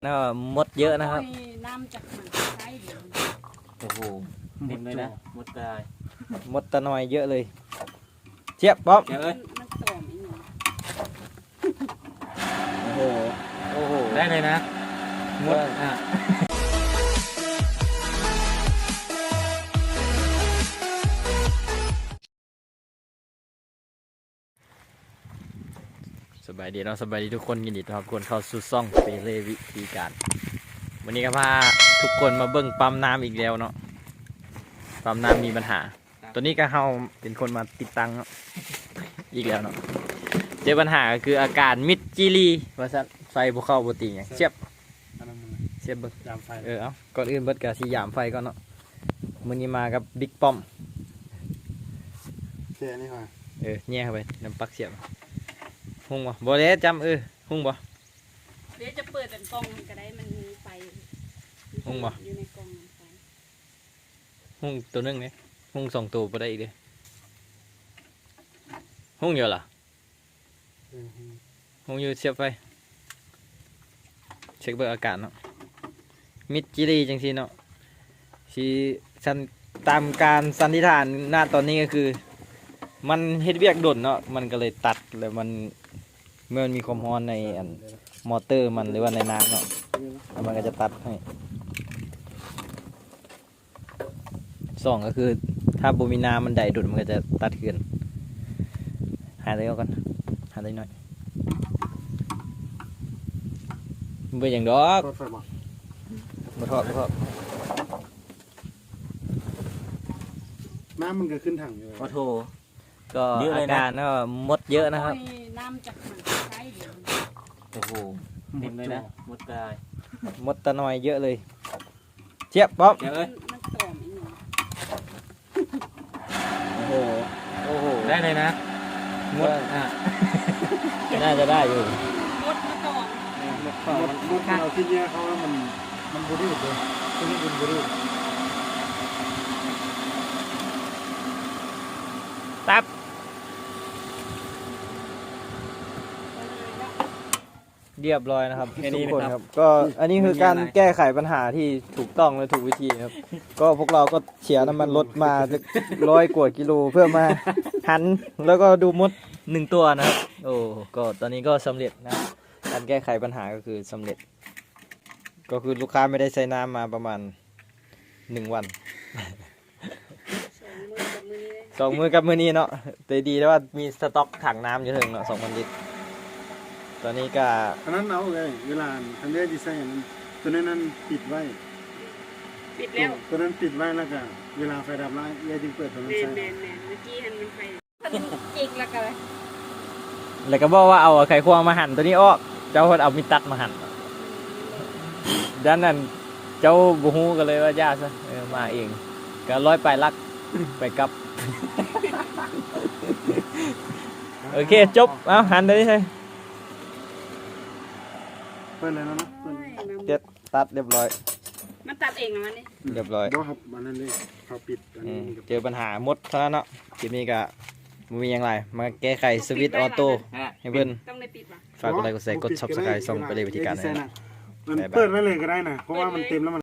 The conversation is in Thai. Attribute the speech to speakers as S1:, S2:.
S1: น่ามดเยอะนะครับ
S2: น้ำจากมันใช้เดี๋ยว
S3: โอ้โหเต็มเลยนะมดตาย
S1: มดตะนอยเยอะเลยเจี๊ยบป๊อป
S3: เดี๋ยวเอ้ย
S2: มันตอมอีกหนึ่ง
S1: โอ้โหโอ้โห
S3: ได้เลยนะมด
S1: สบายดีเนาะสบายดีทุกคนยินดีต้อนรับทุกคนเข้าสู่ซ่องเปเล่วิธีการวันนี้ก็พาทุกคนมาเบิ่งปั๊มน้ำอีกแล้วเนาะปั๊มน้ำมีปัญหาตัวนี้ก็เฮาเป็นคนมาติดตั้งอีกแล้วเนาะเจอปัญหาก็คืออาการมิดจิลีว่าซั่นไฟบ่เข้าบ่ติงหยังเสียบเบิ่ง
S4: ยามไฟ
S1: เอาก่อนอื่นเบิดก็สิยามไฟก่อนเนาะมื้อนี้มากับบิ๊กป้อม
S4: เสียนี่ค่ะ
S1: แย่เข้าไปน้ำปักเสียบหุ่งบ่ได้จำหุ่งบ่
S2: เดี๋ยวจะเปิดเป็นกล่องก็ได้มันมีไฟ
S1: หุ่งบ่
S2: อยู่ในกล่องไฟ
S1: หุ่งตัวนึงเนี่ยหุ่งสองตัวบ่ได้อีกเด้หุ่งอยู่ล่ะหุ่งอยู่เสียบไฟเช็คเบิ่งอาการเนาะมิดจิลีจังซี่เนาะสิตามการสันนิษฐานณตอนนี้ก็คือมันเฮ็ดเวียกด่นเนาะมันก็เลยตัดแล้วมันเมื่อมันมีความร้อนในมอเตอร์มันหรือว่าในน้ำเนาะแล้วมันก็จะตัดให้สองก็คือถ้าบ่มีน้ำมันได้ดุดมันก็จะตัดขึ้นหาได้ก่อนหาได้หน่อยบ่อย่างดอกบ่ทอด
S4: น้ำมันก็ขึ้นถังอยู่
S3: ขอโทษ
S1: ก็อาการก็มดเยอะนะครับ
S2: น้ำจากมันใช้เดี๋ยว
S3: โอ้โหเต็มเลยนะมดตาย
S1: มดตะนอยเยอะเลยเจี๊ยบป๊อป
S3: เดี๋ยวเอ้ย
S2: มันตอมอีกหนึ่ง
S1: โอ้โห
S3: ได้เลยนะ
S1: มดน่าจะได้อยู่
S2: มดมันตอม
S4: มดเราที่เนี้ยเขาว่ามันบูรีดเลยที่นี่เป็นบูรีด
S1: ตับเรียบร้อยนะครับทุกคนครับก็อันนี้คือการแก้ไขปัญหาที่ถูกต้องและถูกวิธีครับก็พวกเราก็เฉียน้ำมันรถมา100 กว่ากิโลเพื่อมาหันแล้วก็ดูมด1 ตัวนะครับโอ้ก็ตอนนี้ก็สำเร็จนะการแก้ไขปัญหาก็คือสำเร็จก็คือลูกค้าไม่ได้ใช้น้ำมาประมาณ1 วัน2 มื้อกับมื้อนี้เนาะแต่ดีแล้วว่ามีสต็อกถังน้ำอยู่ถึงเนาะ2,000 ลิตรตอนนี้ก็
S4: อันนั้นเอาเลยเวลาทางเลือกดีไซน์ตัวนั้นปิดไว้
S2: ปิดแล้ว
S4: ตัวนั้นปิดไว้แล้วก็เวลาไฟดับแล้วยายจึงเปิดตัวนั้นใช่
S2: แมนเมื่อกี้มันไฟจิกแล้วกันเลย
S1: แล้วก็บอกว่าเอาไข่ควงมาหั่นตัวนี้ออกเจ้าคนเอามีตัดมาหั่นด้านนั้นเจ้าบูฮูกันเลยว่าญาติซะมาเองก็ร้อยไปลักไปกับโอเคจบเอาหั่นเลยใช่
S4: เปิดเลยนะ
S1: เจ็ดตัดเรียบร้อย
S2: มันตัดเองนะมันนี่
S1: เรียบร้อย
S4: ครับมันนั่นเลยเขาปิด
S1: เจอปัญหาหมดเท่านั้นเนาะคลิปนี้ก็มีอย่างไรมาแก้ไขสวิตช์ออโต้ให้เพื่อนฝากกดไลค์กดแชร์กดซับสไครต์ส่งไปเลยวิธีการนะ
S4: เปิดไว้เลยก็ได้นะเพราะว่ามันเต็มแล้วมัน